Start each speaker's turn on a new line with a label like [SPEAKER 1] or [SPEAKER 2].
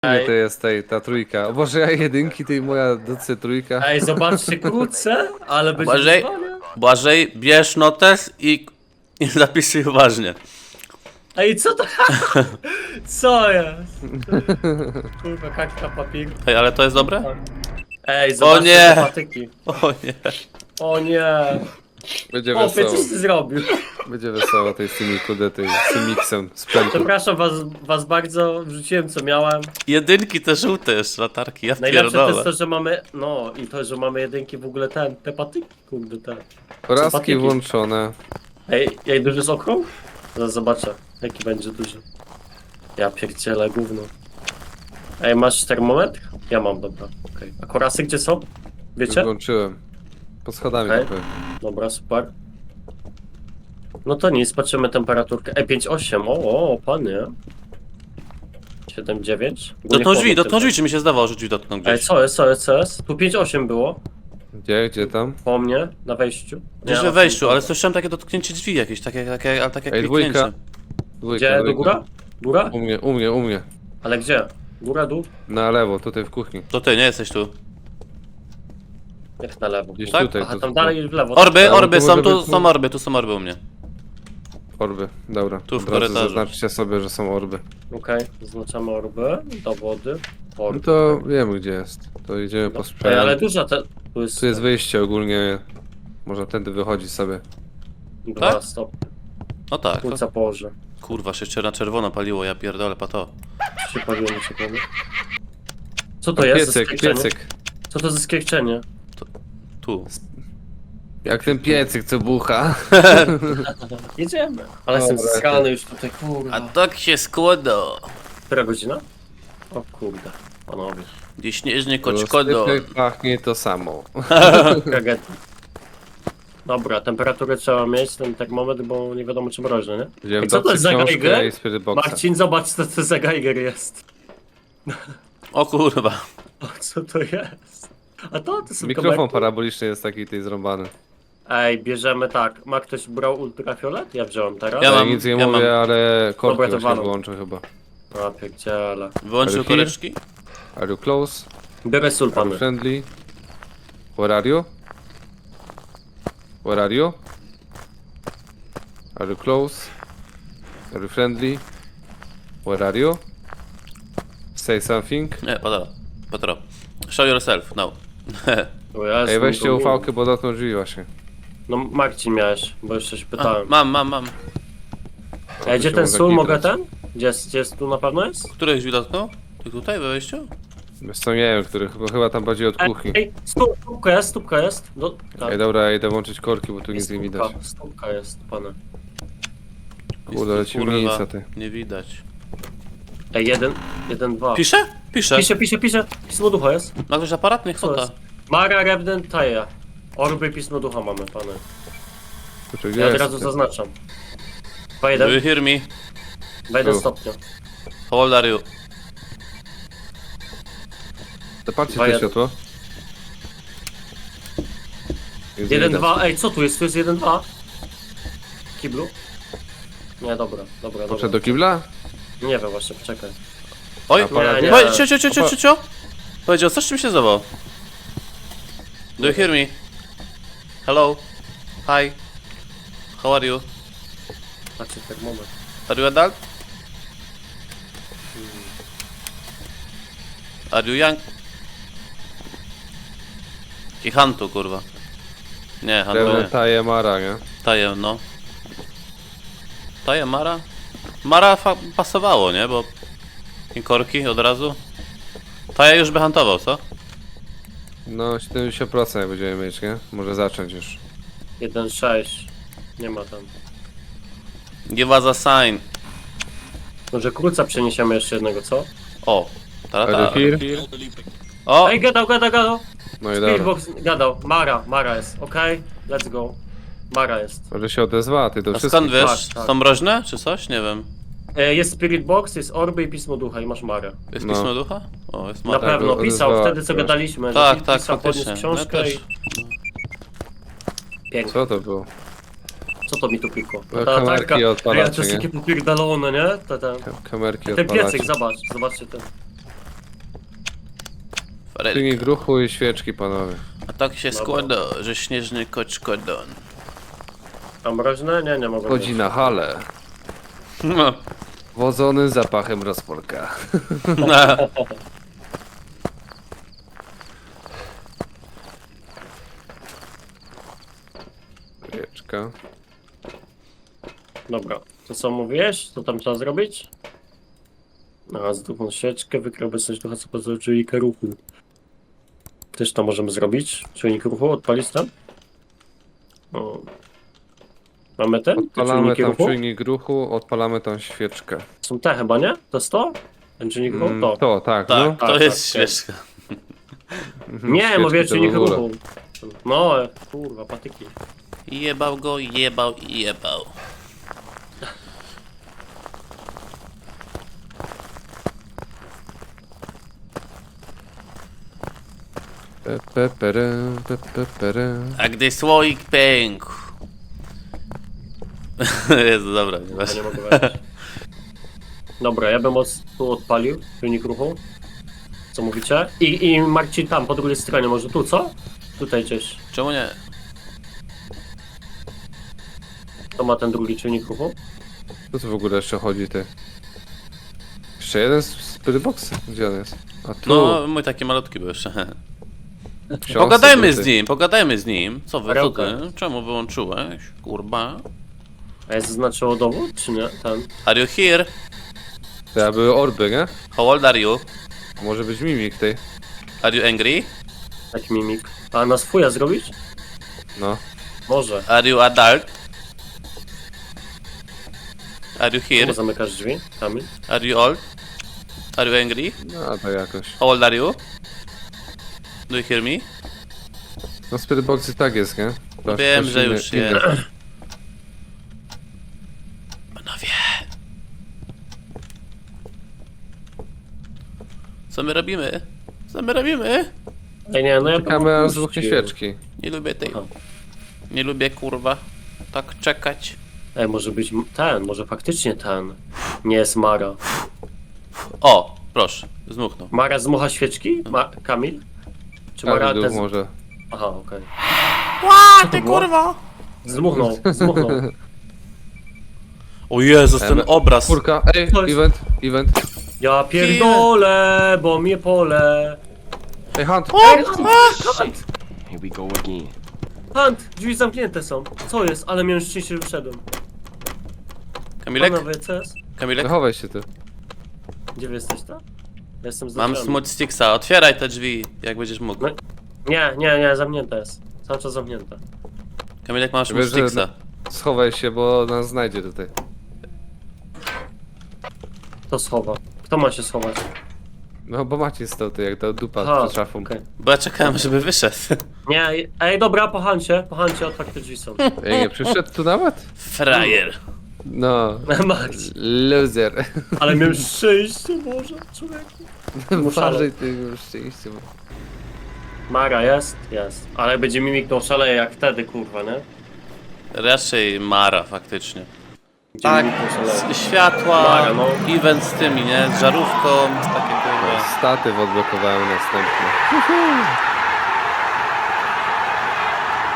[SPEAKER 1] Nie to jest ta trójka. O Boże, ja jedynki, tej moja docy trójka.
[SPEAKER 2] Ej, zobaczcie krótce, ale będzie
[SPEAKER 3] Błażej,
[SPEAKER 2] wyzwanie.
[SPEAKER 3] Błażej, bierz notes i zapisuj uważnie.
[SPEAKER 2] Ej, co to? Co jest? Kurwa, kakta papier.
[SPEAKER 3] Ej, ale to jest dobre?
[SPEAKER 2] Ej, zobaczcie
[SPEAKER 3] nie.
[SPEAKER 2] te patyki.
[SPEAKER 3] O nie.
[SPEAKER 2] O nie.
[SPEAKER 1] Będzie
[SPEAKER 2] O,
[SPEAKER 1] wesoło.
[SPEAKER 2] coś ty zrobił.
[SPEAKER 1] Będzie wesoło tej z tymi kudety, z tym miksem, z pętu.
[SPEAKER 2] Przepraszam was bardzo, wrzuciłem co miałem.
[SPEAKER 3] Jedynki te żółte jeszcze, latarki, ja
[SPEAKER 2] Najlepsze to jest
[SPEAKER 3] pierdolę.
[SPEAKER 2] to, że mamy, no i to, że mamy jedynki w ogóle te patyki, kurde te.
[SPEAKER 1] Porazki
[SPEAKER 2] patyki.
[SPEAKER 1] włączone.
[SPEAKER 2] Ej, jak duży jest okrąg? Zaraz zobaczę, jaki będzie duży. Ja pierdzielę gówno. Ej, masz termometr? Ja mam, dobra, okej. A korasy gdzie są?
[SPEAKER 1] Już
[SPEAKER 2] Wiecie?
[SPEAKER 1] włączyłem. Pod schodami
[SPEAKER 2] Okej.
[SPEAKER 1] trochę.
[SPEAKER 2] Dobra, super. No to nic, patrzymy temperaturkę. Ej, 5,8, o, panie. 7,9.
[SPEAKER 3] Dotknął drzwi, czy mi się zdawało, że drzwi dotknął
[SPEAKER 2] Ej,
[SPEAKER 3] gdzieś.
[SPEAKER 2] co jest? Tu 5,8 było,
[SPEAKER 1] Gdzie tam?
[SPEAKER 2] po mnie, na wejściu.
[SPEAKER 3] Gdzieś
[SPEAKER 2] Nie,
[SPEAKER 3] we
[SPEAKER 2] na
[SPEAKER 3] wejściu,
[SPEAKER 2] tym-
[SPEAKER 3] ale słyszałem takie dotknięcie drzwi jakieś, takie jak
[SPEAKER 1] Ej,
[SPEAKER 3] kliknięcie.
[SPEAKER 1] dwójka.
[SPEAKER 2] Gdzie, do góra? Góra?
[SPEAKER 1] U mnie.
[SPEAKER 2] Ale gdzie? Góra, dół?
[SPEAKER 1] Na lewo, tutaj w kuchni.
[SPEAKER 3] To ty, nie jesteś tu.
[SPEAKER 2] Jak na lewo?
[SPEAKER 1] Gdzieś
[SPEAKER 3] Tak?
[SPEAKER 1] tutaj.
[SPEAKER 2] Aha,
[SPEAKER 1] to
[SPEAKER 2] tam
[SPEAKER 1] tu.
[SPEAKER 2] dalej w lewo.
[SPEAKER 3] Orby,
[SPEAKER 1] Ale
[SPEAKER 3] orby
[SPEAKER 1] to
[SPEAKER 3] są,
[SPEAKER 1] może
[SPEAKER 3] tu
[SPEAKER 1] być-
[SPEAKER 3] są orby u mnie.
[SPEAKER 1] Orby, dobra.
[SPEAKER 3] Tu w
[SPEAKER 1] Od razu
[SPEAKER 3] korytarzu.
[SPEAKER 1] zaznaczcie sobie, że są orby.
[SPEAKER 2] Okej, zaznaczamy orby, dowody.
[SPEAKER 1] No
[SPEAKER 2] Orby.
[SPEAKER 1] to wiemy gdzie jest. To idziemy po
[SPEAKER 2] Ej,
[SPEAKER 1] sprzęt.
[SPEAKER 2] ale duża te... Tu jest,
[SPEAKER 1] Tu jest wyjście ogólnie. Można tędy wychodzić sobie.
[SPEAKER 2] 2
[SPEAKER 3] Tak?
[SPEAKER 2] stopnie.
[SPEAKER 3] No tak. To,
[SPEAKER 2] Płuca położę.
[SPEAKER 3] kurwa, się jeszcze na czerwono paliło, ja pierdolę, pato.
[SPEAKER 2] Się paliło mi się powiem. Co to jest za
[SPEAKER 1] Piecyk,
[SPEAKER 2] skręcenie?
[SPEAKER 1] piecyk.
[SPEAKER 2] Co to za skręcenie?
[SPEAKER 3] Tu.
[SPEAKER 1] Jak ten piecyk co bucha.
[SPEAKER 2] Jedziemy. Ale jestem
[SPEAKER 1] Dobra,
[SPEAKER 2] skany już tutaj, kurwa.
[SPEAKER 3] A tak się składa.
[SPEAKER 2] Która godzina? O kurde, panowie.
[SPEAKER 3] Gdzie śnieżnie koczkodo.
[SPEAKER 1] Rozsypek pachnie to samo.
[SPEAKER 2] Kagety. Dobra, temperaturę trzeba mieć, ten termometr, bo nie wiadomo czy mroźny, nie?
[SPEAKER 1] Wziąłem
[SPEAKER 2] I co to jest za
[SPEAKER 1] książkę
[SPEAKER 2] Geiger?
[SPEAKER 1] i Spirit Boxa.
[SPEAKER 2] Marcin, zobacz co to za Geiger jest.
[SPEAKER 3] O kurwa.
[SPEAKER 2] O, co to jest? A to są
[SPEAKER 1] Mikrofon
[SPEAKER 2] kamerki?
[SPEAKER 1] paraboliczny jest taki tej zrąbany.
[SPEAKER 2] Ej, bierzemy tak. Ma ktoś brał ultrafiolet? Ja wziąłem teraz.
[SPEAKER 3] Ja
[SPEAKER 1] Ja
[SPEAKER 3] mam-
[SPEAKER 1] nic nie
[SPEAKER 3] ja
[SPEAKER 1] mówię,
[SPEAKER 3] mam.
[SPEAKER 1] ale korki
[SPEAKER 2] Dobra, to
[SPEAKER 1] właśnie
[SPEAKER 2] walą.
[SPEAKER 1] wyłączę chyba.
[SPEAKER 2] A pierdziele.
[SPEAKER 3] Wyłączył
[SPEAKER 1] Ale here?
[SPEAKER 3] koreczki?
[SPEAKER 1] Are you close?
[SPEAKER 2] Biorę sól,
[SPEAKER 1] Are you
[SPEAKER 2] pany.
[SPEAKER 1] friendly? Where are you? Where are you? Are you close? Are you friendly? Where are you? Say something.
[SPEAKER 3] Nie, Patro. Show yourself, no.
[SPEAKER 2] O Jezu,
[SPEAKER 1] Ej, weźcie
[SPEAKER 2] to-
[SPEAKER 1] ufałkę, bo dotknął drzwi właśnie.
[SPEAKER 2] No Marcin miałeś, bo jeszcze się
[SPEAKER 3] A,
[SPEAKER 2] pytałem.
[SPEAKER 3] mam.
[SPEAKER 2] Ej, gdzie
[SPEAKER 1] się
[SPEAKER 2] ten
[SPEAKER 1] mogę
[SPEAKER 2] sól? Mogę
[SPEAKER 1] kitrać.
[SPEAKER 2] ten? Gdzie jest? Tu na pewno jest?
[SPEAKER 3] Których drzwi dotknął? Ty tutaj we wejściu?
[SPEAKER 1] Wiesz co, nie wiem, których, bo chyba tam bardziej od kuchni.
[SPEAKER 2] Ej, stópka jest. No, tak.
[SPEAKER 1] Ej, dobra, ja idę włączyć korki, bo tu nic nie widać.
[SPEAKER 2] Stópka jest, pane.
[SPEAKER 1] Kurde, leci
[SPEAKER 3] Kurwa,
[SPEAKER 1] ulica, ty.
[SPEAKER 3] nie widać.
[SPEAKER 2] Ej, 1, 2.
[SPEAKER 3] Pisze? Pisze.
[SPEAKER 2] Pisze. Pismo ducha jest.
[SPEAKER 3] Ma ktoś aparat? Niech
[SPEAKER 2] Co
[SPEAKER 3] chota.
[SPEAKER 2] jest? Mara Rebden Taja. Orby pismo ducha mamy, panie.
[SPEAKER 1] Kurczę, gdzie
[SPEAKER 2] Ja od
[SPEAKER 1] jest,
[SPEAKER 2] razu
[SPEAKER 1] ty?
[SPEAKER 2] zaznaczam.
[SPEAKER 3] Do you
[SPEAKER 2] 2,1,
[SPEAKER 3] hear me?
[SPEAKER 2] 2,1
[SPEAKER 1] Tu.
[SPEAKER 2] stopnia.
[SPEAKER 3] How old are you?
[SPEAKER 1] Zobaczcie
[SPEAKER 2] Dwa,
[SPEAKER 1] to
[SPEAKER 2] jeden.
[SPEAKER 1] światło. Jest
[SPEAKER 2] 1,
[SPEAKER 1] widać.
[SPEAKER 2] 2, ej, co tu jest? Tu jest 1, 2. Kiblu? Nie, dobra.
[SPEAKER 1] Poszedł do kibla?
[SPEAKER 2] Nie wiem właśnie, poczekaj.
[SPEAKER 3] Oj,
[SPEAKER 1] Aparat
[SPEAKER 2] nie.
[SPEAKER 3] cio. Powiedział, coś czym się zdawał. Do you hear me? Hello? Hi? How are you?
[SPEAKER 2] Patrzcie, termometr.
[SPEAKER 3] Are you adult? Are you young? I Hantu, kurwa. Nie, Hantu
[SPEAKER 1] Pewnie
[SPEAKER 3] nie.
[SPEAKER 1] taje Mara, nie?
[SPEAKER 3] Tajem, no. Tajem Mara? Mara pasowało, nie? Bo... I korki od razu. Taja już by hantował, co?
[SPEAKER 1] No, 70% jak będziemy mieć, nie? Może zacząć już.
[SPEAKER 2] 1,6. Nie ma tam.
[SPEAKER 3] Give us a sign.
[SPEAKER 2] Może kruca przeniesiemy jeszcze jednego, co?
[SPEAKER 3] O.
[SPEAKER 1] Are you
[SPEAKER 3] Tarata.
[SPEAKER 1] here?
[SPEAKER 3] O!
[SPEAKER 2] Ej, gadał.
[SPEAKER 1] No i dobra.
[SPEAKER 2] Speedbox gadał. Mara jest, okej? Let's go. Mara jest.
[SPEAKER 1] Może się odezwa, ty do
[SPEAKER 3] A
[SPEAKER 1] wszystkich.
[SPEAKER 3] skąd wiesz?
[SPEAKER 2] Tak.
[SPEAKER 3] Są mroźne, czy coś? Nie wiem.
[SPEAKER 2] Jest Spirit Box, jest Orby i Pismo Ducha i masz Marę.
[SPEAKER 3] Jest
[SPEAKER 1] No.
[SPEAKER 3] pismo ducha? O, jest
[SPEAKER 2] Na
[SPEAKER 3] Mara.
[SPEAKER 2] pewno, pisał
[SPEAKER 1] odezwała
[SPEAKER 2] wtedy co
[SPEAKER 1] się.
[SPEAKER 2] gadaliśmy.
[SPEAKER 3] Tak,
[SPEAKER 2] że
[SPEAKER 3] tak,
[SPEAKER 2] pisał, podniósł
[SPEAKER 3] faktycznie. Ja
[SPEAKER 2] książkę
[SPEAKER 3] też.
[SPEAKER 2] i... Pięknie.
[SPEAKER 1] Co to było?
[SPEAKER 2] Co to mi tu pikło?
[SPEAKER 1] No, kamerki odpalacie,
[SPEAKER 2] to jest
[SPEAKER 1] nie?
[SPEAKER 2] takie popierdolone, nie?
[SPEAKER 1] Kamerki
[SPEAKER 2] Ten
[SPEAKER 1] odpalacie.
[SPEAKER 2] piecyk, zobaczcie ten.
[SPEAKER 3] Farelka.
[SPEAKER 1] Czujnik ruchu i świeczki, panowie.
[SPEAKER 3] A tak się
[SPEAKER 2] Dobra.
[SPEAKER 3] składa, że śnieżny koczkodon.
[SPEAKER 2] A mroźne? Nie mogę.
[SPEAKER 1] Chodzi na halę.
[SPEAKER 3] No.
[SPEAKER 1] Wodzony zapachem rozporka. Świeczka.
[SPEAKER 2] Dobra, to co mówiłeś? Co tam trzeba zrobić? Z drugą świeczkę, wykrył obecność ducha, co pozwoli czujnika ruchu. Też to możemy zrobić. Czujnik ruchu, odpalić tam? O. Mamy ten? Te
[SPEAKER 1] Odpalamy
[SPEAKER 2] czujniki
[SPEAKER 1] tam
[SPEAKER 2] ruchu?
[SPEAKER 1] czujnik ruchu, odpalamy tą świeczkę.
[SPEAKER 2] Są te chyba, nie? To jest to? Ten czujnik ruchu? To.
[SPEAKER 1] To, tak,
[SPEAKER 3] Tak,
[SPEAKER 1] no.
[SPEAKER 3] to
[SPEAKER 2] tak,
[SPEAKER 3] jest
[SPEAKER 2] tak.
[SPEAKER 3] świeżka.
[SPEAKER 2] Nie,
[SPEAKER 1] Świeczki
[SPEAKER 2] mówię
[SPEAKER 1] to
[SPEAKER 2] czujnik
[SPEAKER 1] w ogóle.
[SPEAKER 2] ruchu. No, kurwa, patyki.
[SPEAKER 3] Jebał go, jebał i jebał.
[SPEAKER 1] Pere.
[SPEAKER 3] A gdy słoik pękł. Jezu, dobra, nie
[SPEAKER 2] Ja
[SPEAKER 3] masz.
[SPEAKER 2] nie mogę wejść. Dobra, ja bym tu odpalił czujnik ruchu. Co mówicie? I Marcin tam, po drugiej stronie, może tu, co? Tutaj gdzieś.
[SPEAKER 3] Czemu nie?
[SPEAKER 2] To ma ten drugi czujnik ruchu.
[SPEAKER 1] Co tu w ogóle jeszcze chodzi, ty? Jeszcze jeden Spiritbox? Gdzie on jest? A tu.
[SPEAKER 3] No, mój taki malutki był jeszcze.
[SPEAKER 1] książce
[SPEAKER 3] Pogadajmy
[SPEAKER 1] tutaj.
[SPEAKER 3] z nim, pogadajmy z nim. Co wy, co
[SPEAKER 2] Perełka.
[SPEAKER 3] ty? Czemu wyłączyłeś? Kurwa.
[SPEAKER 2] A jest zaznaczyło dowód, czy nie? Ten.
[SPEAKER 3] Are you here?
[SPEAKER 1] To ja były orby, nie?
[SPEAKER 3] How old are you?
[SPEAKER 1] A może być mimik tej?
[SPEAKER 3] Are you angry?
[SPEAKER 2] Taki mimik. A na swója zrobić?
[SPEAKER 1] No.
[SPEAKER 2] Może.
[SPEAKER 3] Are you adult? Are you
[SPEAKER 2] Czemu
[SPEAKER 3] here?
[SPEAKER 2] zamykasz drzwi? Kamil?
[SPEAKER 3] Are you old? Are you angry?
[SPEAKER 1] No to jakoś.
[SPEAKER 3] How old are you? Do you hear me?
[SPEAKER 1] No Spiritboxy tak jest, nie? To
[SPEAKER 3] Wiem,
[SPEAKER 1] też
[SPEAKER 3] że
[SPEAKER 1] inny-
[SPEAKER 3] już
[SPEAKER 1] inny.
[SPEAKER 3] jest. Panowie. Co my robimy? Co my robimy?
[SPEAKER 2] Ej, nie, no ja
[SPEAKER 1] Czekamy
[SPEAKER 2] bym
[SPEAKER 1] aż zbuchnie
[SPEAKER 2] puścił.
[SPEAKER 1] świeczki.
[SPEAKER 3] Nie lubię tej.
[SPEAKER 2] Aha.
[SPEAKER 3] Nie lubię kurwa. Tak czekać.
[SPEAKER 2] Ej, może być ten, może faktycznie ten. Nie jest Mara.
[SPEAKER 3] O, proszę, zmuchnął.
[SPEAKER 2] Mara zmucha świeczki? Kamil? Czy Mara
[SPEAKER 1] Kamil
[SPEAKER 2] te...
[SPEAKER 1] może.
[SPEAKER 2] Aha, okej.
[SPEAKER 3] Ła,
[SPEAKER 2] ty kurwa! Zmuchnął.
[SPEAKER 3] O Jezus, ten obraz.
[SPEAKER 1] Czwórka, ej,
[SPEAKER 2] To jest-
[SPEAKER 1] event.
[SPEAKER 2] Ja pierdolę, bo mnie pole.
[SPEAKER 1] Ej, Hunt!
[SPEAKER 2] Ej, Hunt!
[SPEAKER 4] Here we go again.
[SPEAKER 2] Hunt! Drzwi zamknięte są. Co jest? Ale miałem szczęście, że wyszedłem.
[SPEAKER 3] Kamilek?
[SPEAKER 2] Panowie, co jest?
[SPEAKER 3] Kamilek?
[SPEAKER 1] Zachowaj się ty.
[SPEAKER 2] Gdzie wy jesteś, to? Ja jestem za
[SPEAKER 3] Mam
[SPEAKER 2] drzwiami.
[SPEAKER 3] smooth sticksa, otwieraj te drzwi, jak będziesz mógł.
[SPEAKER 2] No. Nie, zamknięte jest. Cały czas zamknięte.
[SPEAKER 3] Kamilek, masz smooth
[SPEAKER 1] Wiesz, że-
[SPEAKER 3] sticksa.
[SPEAKER 1] Schowaj się, bo nas znajdzie tutaj.
[SPEAKER 2] Kto schowa? Kto ma się schować?
[SPEAKER 1] No bo Maciej stał tu jak ta dupa
[SPEAKER 2] Aha,
[SPEAKER 1] przed szafą.
[SPEAKER 2] okej.
[SPEAKER 3] Bo ja czekałem, żeby wyszedł.
[SPEAKER 2] Nie, ej, dobra, po Hancie, otwarte drzwi są.
[SPEAKER 1] Ej, nie przyszedł tu nawet?
[SPEAKER 3] Frajer.
[SPEAKER 1] No.
[SPEAKER 2] Max,
[SPEAKER 1] Loser.
[SPEAKER 2] ale miałem szczęście, Boże, człowieku.
[SPEAKER 1] Uważaj ty już szczęście.
[SPEAKER 2] Mara jest? Jest. Ale będzie mimik to szaleje jak wtedy, kurwa, nie?
[SPEAKER 3] Raczej Mara, faktycznie.
[SPEAKER 2] Będzie
[SPEAKER 3] Tak,
[SPEAKER 2] mimik to szaleje.
[SPEAKER 3] światła,
[SPEAKER 2] Mara, no.
[SPEAKER 3] event z tymi, nie? Z żarówką, takie kurwa.
[SPEAKER 1] Statyw odblokowałem następny.